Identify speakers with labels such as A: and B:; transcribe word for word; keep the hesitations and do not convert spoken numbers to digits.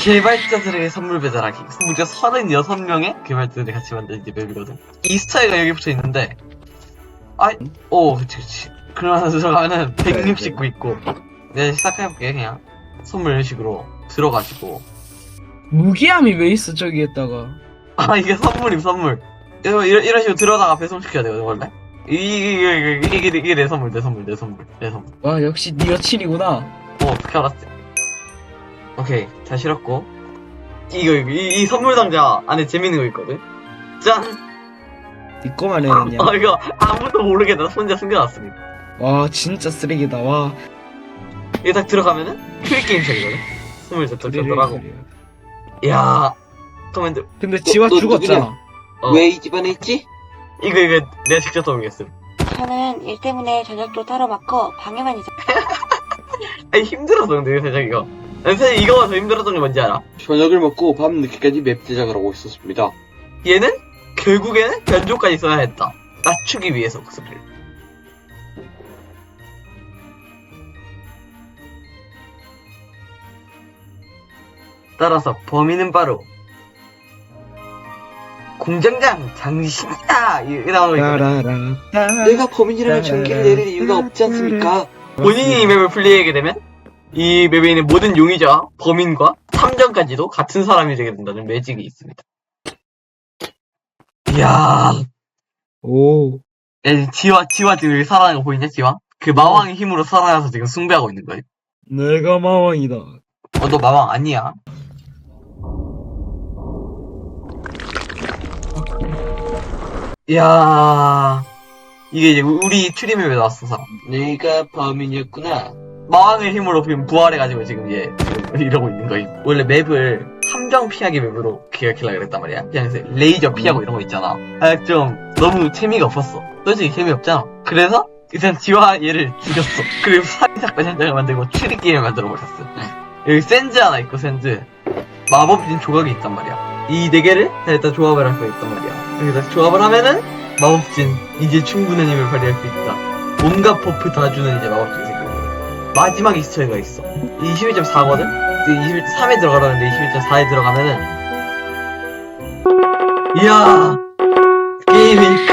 A: 개발자들에게 선물 배달하기. 무려 서른여섯 명의 개발자들이 같이 만든 이제 맵이거든. 이스터에가 여기 붙어 있는데, 아이, 오, 그치, 그치. 그러면서 들어가면은 백육십구 있고, 내가 시작해볼게, 그냥. 선물 이런 식으로 들어가지고.
B: 무기함이 왜 있어 저기에다가.
A: 아, 이게 선물임, 선물. 이런, 이런, 이런 식으로 들어다가 배송시켜야 되거든, 원래. 이게, 이게, 이게, 이게 내 선물, 내 선물, 내 선물, 내 선물.
B: 와 역시 니 여친이구나.
A: 어, 어떻게 알았지? 오케이, 잘 실었고. 이거, 이거, 이, 이 선물 상자 안에 재밌는 거 있거든? 짠!
B: 니 거만 해냈냐.
A: 어, 이거 아무도 모르게 나 혼자 숨겨놨습니다.
B: 와 진짜 쓰레기다. 와.
A: 이게 딱 들어가면은 큐리게임샵이거든? 스물 저쪽저쪽하고. 이야, 커맨드.
B: 근데 지화
C: 너
B: 죽었잖아.
A: 어,
C: 왜 이 집안에 있지?
A: 이거, 이거 내가 직접 써보겠음.
D: 저는 일 때문에 저녁도 따로 먹고 방에만 있어.
A: 아니, 힘들어서 근데 살짝 이거. 아니, 사실 이거가 더 힘들었던 게 뭔지 알아?
C: 저녁을 먹고 밤 늦게까지 맵 제작을 하고 있었습니다.
A: 얘는 결국에는 변조까지 써야 했다. 낮추기 위해서 그 소리를. 따라서 범인은 바로 공장장 장신이다. 이 나오는 거 있거든.
B: 따라라.
C: 내가 범인이라면 전기를 내릴 이유가 없지 않습니까?
A: 본인이 이 맵을 플레이하게 되면 이 맵에 있는 모든 용의자와 범인과 탐정까지도 같은 사람이 되게 된다는 매직이 있습니다. 이야,
B: 오.
A: 야, 지화, 지화 지금 여기 살아나는 거 보이냐, 지화? 그 마왕의 힘으로 살아나서 지금 숭배하고 있는 거야.
B: 내가 마왕이다.
A: 어, 너 마왕 아니야. 이야, 이게 이제 우리 추리맵에 나왔어, 사람.
C: 내가 범인이었구나.
A: 마왕의 힘으로 지금 부활해가지고 지금 얘 지금 이러고 있는 거임. 원래 맵을 함정 피하기 맵으로 기획하려고 그랬단 말이야. 그냥 레이저 피하고 이런 거 있잖아. 아, 좀 너무 재미가 없었어. 솔직히 재미없잖아. 그래서 일단 지화 얘를 죽였어. 그리고 살인사건 현장을 만들고 추리 게임을 만들어 버렸어. 여기 센즈 하나 있고 센즈. 마법진 조각이 있단 말이야. 이 네 개를 일단 조합을 할 수 있단 말이야. 여기다 조합을 하면은 마법진 이제 충분한 힘을 발휘할 수 있다. 온갖 버프 다 주는 이제 마법진이 생기고. 마지막 이스터에가 있어. 이십일 점 사거든? 이십일 점 삼에 들어가라는데 이십일 점 사에 들어가면은 이야, 게임이